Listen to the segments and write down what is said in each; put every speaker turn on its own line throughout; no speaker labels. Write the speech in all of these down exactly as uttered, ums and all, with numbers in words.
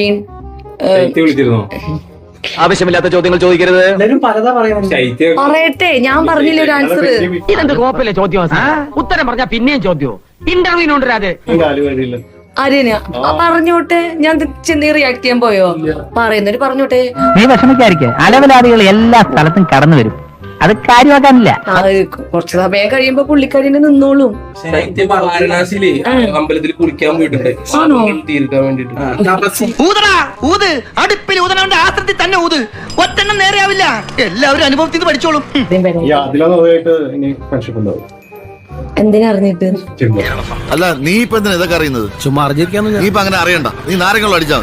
Been
ആവശ്യമില്ലാത്ത ചോദ്യങ്ങൾ ചോദിക്കരുത്.
പറയട്ടെ, ഞാൻ പറഞ്ഞില്ല ഒരു ആൻസർ.
ഇതെന്ത് കോപ്പല്ലേ ചോദ്യം? ഉത്തരം പറഞ്ഞാ പിന്നെയും ചോദ്യം. ഇന്റർവ്യൂവിനുണ്ടരാതെ
ആര്യന പറഞ്ഞോട്ടെ. ഞാൻ ചെന്ന് റിയാക്ട് ചെയ്യാൻ പോയോ? പറയുന്നവര് പറഞ്ഞോട്ടെ.
നീ വിഷമിക്കാതിരിക്കെ, അലവലാദികൾ എല്ലാ സ്ഥലത്തും കടന്നു വരും. അത് കാര്യമാക്കാനില്ല.
കുറച്ച് സമയം കഴിയുമ്പോ പുള്ളിക്കാരിനെ നിന്നോളും.
വാരണാസിയില് അമ്പലത്തിൽ കുളിക്കാൻ പോയിട്ടുണ്ട് തീർക്കാൻ വേണ്ടിട്ട്.
അടുപ്പിൽ ഊതനവന്റെ ആസ്ത്രത്തിൽ തന്നെ ഊത്. ഒറ്റെണ്ണം നേരെയാവില്ല. എല്ലാവരും അനുഭവത്തിൽ പഠിച്ചോളും.
എന്തിനാ അറിഞ്ഞിട്ട്?
അല്ല നീ ഇപ്പൊ എന്തിനാ ഇതൊക്കെ അറിയുന്നത്? ചുമ്മാ അറിഞ്ഞിരിക്കാന്ന്. നീ ഇപ്പൊ അങ്ങനെ അറിയണ്ട. നീ നാരങ്ങളും അടിച്ചാ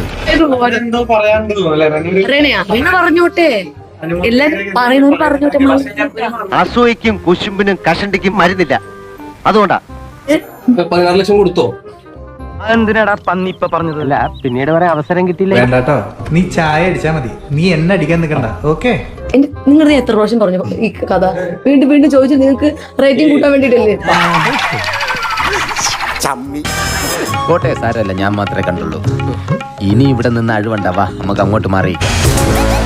മതി.
അറിയണയാ പിന്നെ പറഞ്ഞോട്ടെ. എല്ലാരും പറയുന്നവര് പറഞ്ഞോട്ടെ.
അസൂയക്കും കുശുമ്പിനും കഷണ്ടിക്കും മരുന്നില്ല. അതുകൊണ്ടാ.
പതിനാറ് ലക്ഷം കൊടുത്തോ?
എന്തിനാടാ പന്നി ഇപ്പൊ പറഞ്ഞതല്ല, പിന്നീട് വരെ അവസരം കിട്ടിയില്ല.
വേണ്ടാട്ടോ, നീ ചായ അടിച്ചാ മതി. നീ എന്നെ അടിക്കാൻ നിൽക്കണ്ട. ഓക്കെ,
നിങ്ങൾ എത്ര പ്രാവശ്യം പറഞ്ഞു ഈ കഥ? വീണ്ടും വീണ്ടും ചോദിച്ചു. നിങ്ങൾക്ക് റേറ്റിംഗ് കൂട്ടാൻ വേണ്ടിട്ടല്ലേ?
കോട്ടെ സാരല്ല, ഞാൻ മാത്രമേ കണ്ടുള്ളൂ. ഇനി ഇവിടെ നിന്ന് അഴിവണ്ടാവാ, നമുക്ക് അങ്ങോട്ട് മാറിയിക്കാം.